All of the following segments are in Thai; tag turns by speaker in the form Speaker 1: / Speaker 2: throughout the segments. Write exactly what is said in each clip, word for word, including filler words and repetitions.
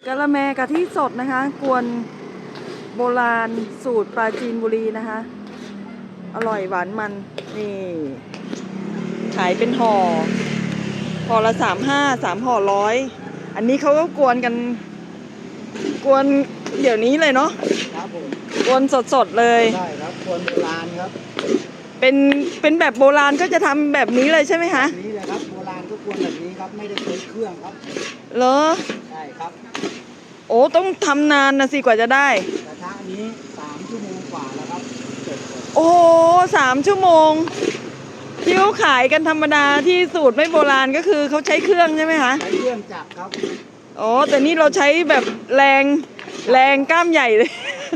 Speaker 1: กะละแมกะทิสดนะคะกวนโบราณสูตรปราจีนบุรีนะคะอร่อยหวานมันนี่ขายเป็นห่อห่อละสามห้าสามห่อร้อยอันนี้เขาก็กวนกันกวนเดี๋ยวนี้เลยเนาะ
Speaker 2: ครับผม
Speaker 1: กวนสดๆเลย
Speaker 2: ใช่ครับกวนโบราณครับ
Speaker 1: เป็นเป็นแบบโบราณก็จะทำแบบนี้เลยใช่ไหมคะ
Speaker 2: นี้เลยครับโบราณก็กวนแบบนี้ครับไม่ได้ใช้เครื่องครับ
Speaker 1: เหรอ
Speaker 2: ใช่ครับ
Speaker 1: โอ้ต้องทำนานนะสิกว่าจะได้
Speaker 2: กระทะนี้สามชั่วโมงกว่าแล้วครับ
Speaker 1: โอ้สามชั่วโมงที่เขาขายกันธรรมดาที่สูตรไม่โบราณก็คือเขาใช้เครื่องใช่ไหมคะ
Speaker 2: ใช้เครื่องจักรครับ
Speaker 1: อ๋อแต่นี่เราใช้แบบแรงแรงกล้ามใหญ่เลย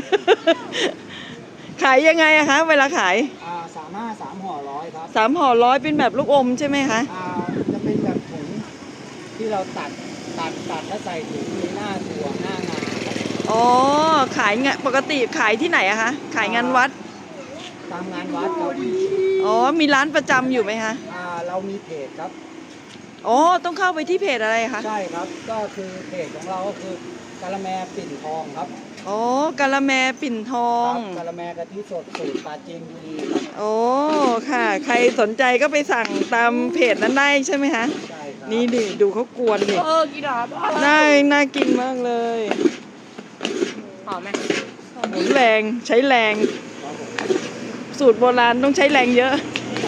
Speaker 1: ขายยังไงอะคะเวลาขาย
Speaker 2: อ่าสามห้าสามห่อร้อยครับ
Speaker 1: สามห่อร้อยเป็นแบบลูกอมใช่ไหมคะ
Speaker 2: อ่าจะเป็นแบบถุงที่เราตัดตัดตัดแล้วใส่ถุงมีหน้าถั่วหน้างา
Speaker 1: อ๋อขายงานปกติขายที่ไหนอะคะขายงานวัด
Speaker 2: ตามงานวัดครับ
Speaker 1: อ๋อมีร้านประจำอยู่ไหมคะ
Speaker 2: อ่าเรามีเพจครับ
Speaker 1: อ๋อต้องเข้าไปที่เพจอะไรคะ
Speaker 2: ใช่ครับก็คือเพจของเราก็คือกะละแมปิ่นทองครับ
Speaker 1: อ๋อกะละแมปิ่นทอง
Speaker 2: กะละแมกะทิสดสูตรปราจีนบุรีครับ
Speaker 1: โอ้ค่ะใครสนใจก็ไปสั่งตามเพจนั้นได้ใช่ไหมคะ
Speaker 2: ใช่ครับ
Speaker 1: นี่ดิดูเขากวนดิ
Speaker 3: เออกี่ดาบ
Speaker 1: น่าน่ากินมากเลย
Speaker 3: หอมไหม
Speaker 1: หมุนแรงใช้แรงสูตรโบราณต้องใช้แรงเยอะ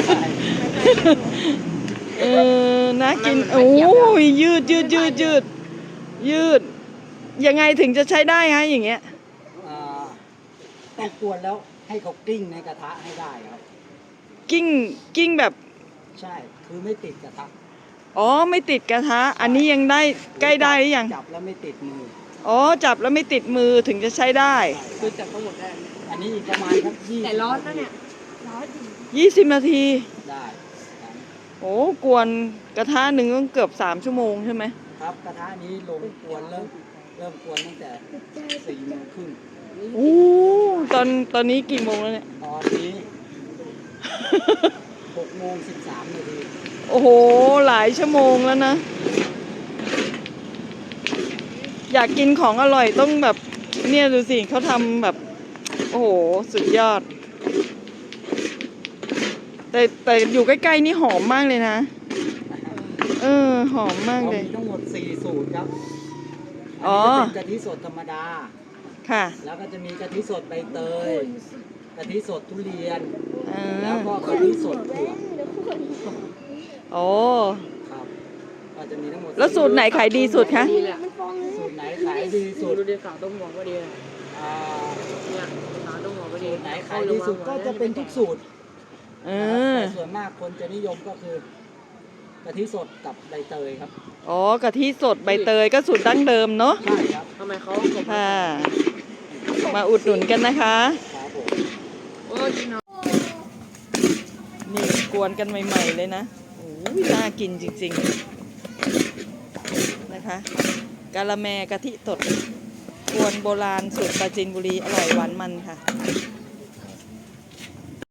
Speaker 1: เออน่ากินโอ้ยยืดยืดยืดยืดยืดยังไงถึงจะใช้ได้ฮะอย่างเงี้ย
Speaker 2: ต้องกวนแล้วให้เขากลิ้งในกระทะให้ได้ครับ
Speaker 1: กิ้งกิ้งแบบ
Speaker 2: ใช่คือไม่ติดกระทะ
Speaker 1: อ๋อไม่ติดกระทะอันนี้ยังได้ใกล้ได้หรือยัง
Speaker 2: จับแล้วไม่ติดมือ
Speaker 1: อ๋อจับแล้วไม่ติดมือถึงจะใช้ได้
Speaker 3: คือจับทั้งหมดได้
Speaker 2: อันนี้อีกประมาณครับยี่
Speaker 3: แต่ร้อนนะเนี่ยร้อน
Speaker 1: ยี่สิบนาที
Speaker 2: ได้
Speaker 1: โอ้กวนกระทะหนึ่งก็เกือบสามชั่วโมงใช่ไหม
Speaker 2: ครับกระทะนี้ลงกวนเริ่มเริ่มกวนตั้งแต่สี่โมงครึ่ง
Speaker 1: โอ้ตอนตอนนี้กี่โมงแล้วเนี่ย
Speaker 2: ตอนนี้หกโมงสิบสามนาที
Speaker 1: โอ้โหหลายชั่วโมงแล้วนะอยากกินของอร่อยต้องแบบเนี่ยดูสิเขาทำแบบโอ้โหสุดยอดแต่แต่อยู่ใกล้ๆนี่หอมมากเลยนะเออหอมมากเลย
Speaker 2: มีทั้งหมดสี่สูตรครับ
Speaker 1: อ๋อ
Speaker 2: เป็นกะทิสดธรรมดา
Speaker 1: ค่ะ
Speaker 2: แล้วก็จะมีกะทิสดใบเตยกะทิสดทุเรียนแล้วก็กะทิสดถั่ว
Speaker 1: โอ้
Speaker 2: ครับก็จะมีทั้งหมด
Speaker 1: แล้วสูตรไหนขายดีสุดคะ
Speaker 2: สูตรไหนขายดีสุด
Speaker 3: ดูดีสาวต้มหมอกก็ดี
Speaker 2: อ่า
Speaker 3: เนี่ยสาวต้มหมอกก็ดี
Speaker 2: ไหนขายดีสุดก็จะเป็นทุกสูตร
Speaker 1: เออ
Speaker 2: ส่วนมากคนจะนิยมก็คือกะทิสดกับใบเตยครับ
Speaker 1: อ๋อกะทิสดใบเตยก็สูตรดั้งเดิมเนาะ
Speaker 2: ใช่ครับ
Speaker 3: ทำไมเขา
Speaker 1: ค่ะมาอุดหนุนกันนะคะ
Speaker 2: ครับผม
Speaker 3: โอ้ย
Speaker 1: นี่กวนกันใหม่ๆเลยนะโอ้ยน่ากินจริงๆนะคะกะละแมกะทิสดกวนโบราณสูตรปราจีนบุรีอร่อยหวานมันค่ะ